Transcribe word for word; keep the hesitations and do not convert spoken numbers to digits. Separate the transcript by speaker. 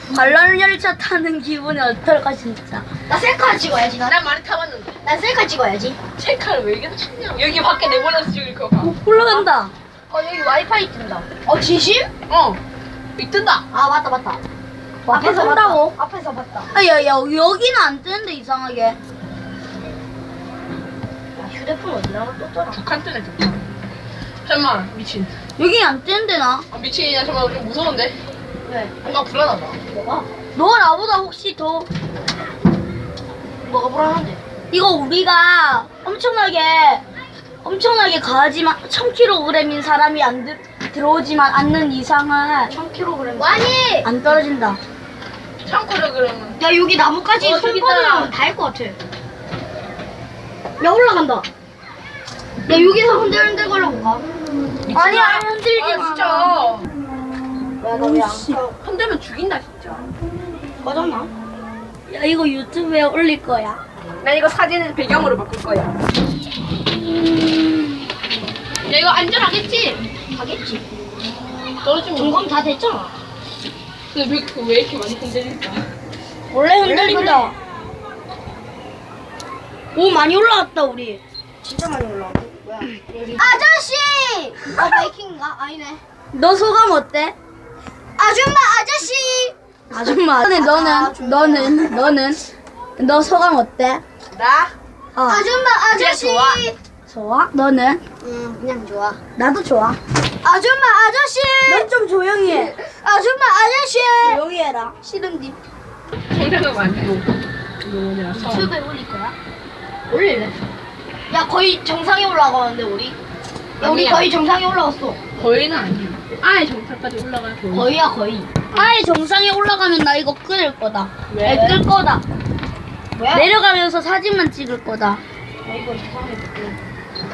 Speaker 1: 관람 열차 타는 기분이 어떨까 진짜.
Speaker 2: 나 셀카 찍어야지 나.
Speaker 3: 난 많이 타봤는데.
Speaker 2: 난 셀카 찍어야지.
Speaker 3: 셀카를 왜 이렇게 찍냐? 여기 밖에 내보내서 찍을 거 봐.
Speaker 1: 올라간다.
Speaker 2: 어 여기 와이파이 뜬다. 어 진심?
Speaker 3: 어. 이 뜬다.
Speaker 2: 아 맞다 맞다.
Speaker 1: 와,
Speaker 2: 앞에서
Speaker 1: 뜬다고?
Speaker 2: 봤다. 앞에서 봤다.
Speaker 1: 아야야 여기는 안 뜨는데 이상하게.
Speaker 2: 야, 휴대폰 어디 나가 떴더라.
Speaker 3: 북한 뜨네 북한. 잠깐만 미친.
Speaker 1: 여기 안 뜨는데 나.
Speaker 3: 아 미친이냐 잠깐만 좀 무서운데.
Speaker 2: 왜?
Speaker 3: 뭔가 불안하다.
Speaker 2: 뭐가?
Speaker 1: 너 나보다 혹시 더
Speaker 2: 뭐가 불안한데?
Speaker 1: 이거 우리가 엄청나게 엄청나게 가하지만 천 킬로그램인 사람이 안 들, 들어오지만 않는 이상은
Speaker 2: 천 킬로그램. 와니!
Speaker 1: 안 떨어진다.
Speaker 3: 참고로 그러면.
Speaker 2: 야 여기 나무까지
Speaker 3: 어,
Speaker 2: 손
Speaker 3: 저기
Speaker 2: 뻗으면
Speaker 3: 있다.
Speaker 2: 닿을 것 같아. 야 올라간다. 야 여기서 흔들흔들 걸어볼까?
Speaker 1: 아니야 흔들지
Speaker 3: 아
Speaker 1: 마.
Speaker 3: 진짜.
Speaker 2: 야너왜 안
Speaker 1: 씨.
Speaker 2: 켜?
Speaker 3: 흔들면 죽인다 진짜.
Speaker 2: 꺼졌나?
Speaker 1: 야 이거 유튜브에 올릴 거야.
Speaker 3: 난 이거 사진을 배경으로 바꿀 거야. 야 이거 안전하겠지?
Speaker 2: 가겠지.
Speaker 3: 떨어지면.
Speaker 2: 점검 다 됐잖아.
Speaker 3: 근데 왜, 그 왜 이렇게 많이 흔들릴까?
Speaker 1: 원래 흔들린다. 오 많이 올라왔다 우리.
Speaker 2: 진짜 많이 올라와. 뭐야? 아저씨! 어 바이킹인가? 아니네.
Speaker 1: 너 소감 어때?
Speaker 2: 아줌마 아저씨!
Speaker 1: 아줌마. 너는 너는 너는 너는 너 소감 어때?
Speaker 3: 나?
Speaker 1: 어.
Speaker 2: 아줌마 아저씨!
Speaker 3: 좋아.
Speaker 1: 좋아? 너는?
Speaker 2: 응 그냥 좋아.
Speaker 1: 나도 좋아.
Speaker 2: 아줌마 아저씨!
Speaker 1: 넌 좀 조용히 해.
Speaker 2: 아줌마 아저씨!
Speaker 1: 조용히 해라.
Speaker 2: 싫은디.
Speaker 3: 정상은 아니고. 이거 뭐냐, 성.
Speaker 2: 유튜브에 올릴 거야? 올릴래? 야 거의 정상에 올라가는데 우리? 야 우리
Speaker 3: 아니야.
Speaker 2: 거의 정상에 올라왔어.
Speaker 3: 거의는 아니야. 아예 정상까지 올라갈 거야.
Speaker 2: 거의야 거의.
Speaker 1: 아예 정상에 올라가면 나 이거 끊을 거다.
Speaker 3: 왜?
Speaker 1: 아니, 끌 거다.
Speaker 2: 뭐야?
Speaker 1: 내려가면서 사진만 찍을 거다.
Speaker 2: 야 이거 이상해.